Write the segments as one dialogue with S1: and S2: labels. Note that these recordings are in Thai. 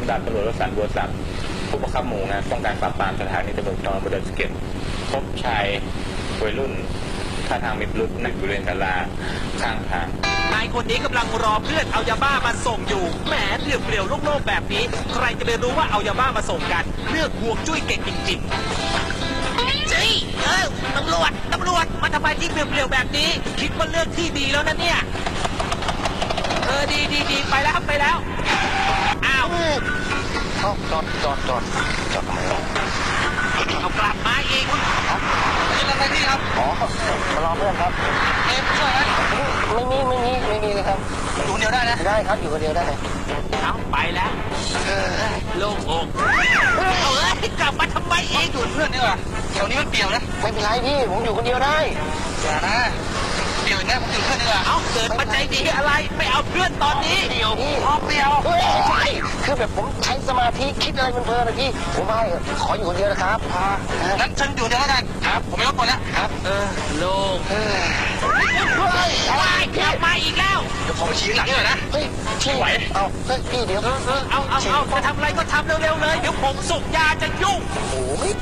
S1: ดาบตำรวจวสันต์บัวศักดิ์ผู้บังคับหมู่งานป้องกันปราบปรามสถานีตำรวจภูธรดอยสะเก็ดพบชายวัยรุ่นท่าทางมีพิรุธนั่งอยู่บริเวณศาลาข้างทาง
S2: นายคนนี้กำลังรอเพื่อนเอายาบ้ามาส่งอยู่แหมเปลี่ยวๆโล่งๆแบบนี้ใครจะไปรู้ว่าเอายาบ้ามาส่งกันเลือกห่วงจุ้ยเก่งจริงๆจี้ตำรวจมาทำไมที่เปลี่ยวๆแบบนี้คิดว่าเลือกที่ดีแล้วนะเนี่ยดีไปแล้วอ้าว
S3: จอดทำไมวะ
S2: เอากลับมาอีกเป็นอะไรนี่ครับ
S3: อ๋อมารอเพื่อนครับ
S2: ช่วยไหม
S3: ไม่มีเลยครับ
S2: อยู่คนเดียวได้นะ
S3: ได้ครับอยู่คนเดียวได้
S2: เอาไปแล้วโล่งอกกลับมาทำไมเองอยู่เพื่อนนี่วะแถวนี้มันเปลี่ยวนะ
S3: ไม่เป็นไรพี่ผมอยู่คนเดียวได้
S2: อย่านะเปลี่ยวนะผมอยู่เพื่อนนี่วะเอาเกิดปัจจัยดีอะไรไม่เอาเพื่อนตอนนี้
S3: เปลี่ยวพี่
S2: เปลี่ยว
S3: ใช่คือแบบผมใช้สมาธิคิดอะไรเพลินๆนะพี่ผมไม่ขออยู่คนเดียวนะครับ
S2: งั้นฉันอยู่เดียวแล้วกันครับผมไม่รบกวนแล้วครับโล่งกลับมาอีกแล้ว
S3: เดี๋ยวผมชี้หลังหน่อยนะเฮ้ยชี้ไหวเอาเฮ้ยพี่เดี๋ยว
S2: เอาจะทำอะไรก็ทำเร็วๆเลยเดี๋ยวผมส่งยาจะยุ่ง
S3: โอ้ย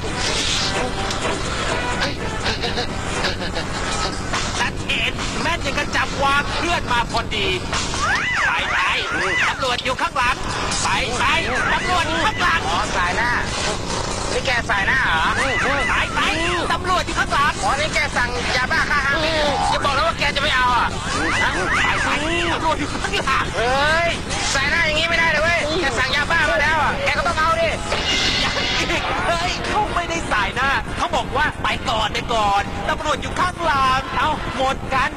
S2: ชัดเจนแม่นยังกระจับวางเพื่อนมาพอดีไปตำรวจอยู่ข้างหลังไปตำรวจอยู่ข้างหลัง
S3: สายหน้านี่แกสายหน้าเหรอ
S2: ไปตำรวจอยู่ข้างหลัง
S3: นี่แกสั่งยาบ้าฆ่าห้าจะบอกแล้วว่าแกจะไม่เอาอ่ะ
S2: ไปตำรวจอยู่ข้างหลัง
S3: เฮ้ยสายหน้าอย่างงี้ไม่ได้เลยเว้ยแกสั่งยาบ้ามาแล้วอ่ะแกก็ต้องเอาดิ
S2: เฮ้ยเขาไม่ได้สายหน้าเขาบอกว่าไปก่อนตำรวจอยู่ข้างหลังเอาหมดกัน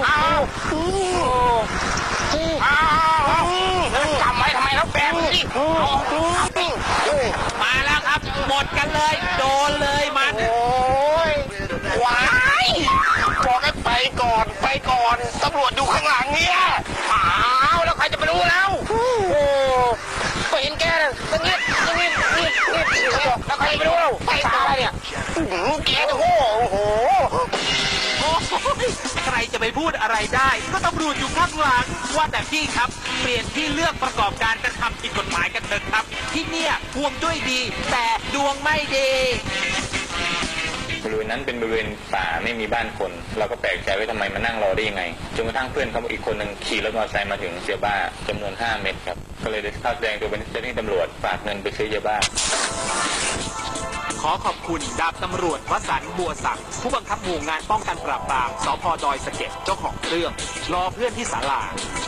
S3: จำไว้ทำไมแล้วแบบนี้
S2: มาแล้วครับหมดกันเลยโดนเลยมัน
S3: โอ้ยว้ายบอกให้ไปก่อนตำรวจอยู่ข้างหลังเนี่ยแล้วใครจะไปรู้แล้วก็เห็นแกน่ะตั้งนิดแล้วใครจะไปรู้เราไปตายเนี่ยแกจะโอ้โห
S2: ใครจะไปพูดอะไรได้ก็ตำรวจอยู่ข้างหลังว่าแต่พี่ครับเปลี่ยนที่เลือกประกอบการกระทำผิดกฎหมายกันเถอะครับที่เนี่ยห่วงด้วยดีแต่ดวงไม่ดี
S1: บริเวณนั้นเป็นบริเวณป่าไม่มีบ้านคนเราก็แปลกใจว่าทำไมมานั่งรอได้ยังไงจนกระทั่งเพื่อนเขาอีกคนหนึ่งขี่รถมอเตอร์ไซค์มาถึงเสียบ้าจำนวน5 เม็ดครับก็เลยได้เข้าแสดงตัวเป็นเจ้าหน้าที่ตำรวจฝากเงินไปซื้อยาบ้า
S2: ขอขอบคุณดาบตำรวจวสันต์บัวศักดิ์ผู้บังคับหมู่งานป้องกันปราบปรามสภ.ดอยสะเก็ดเจ้าของเรื่องรอเพื่อนที่ศาลา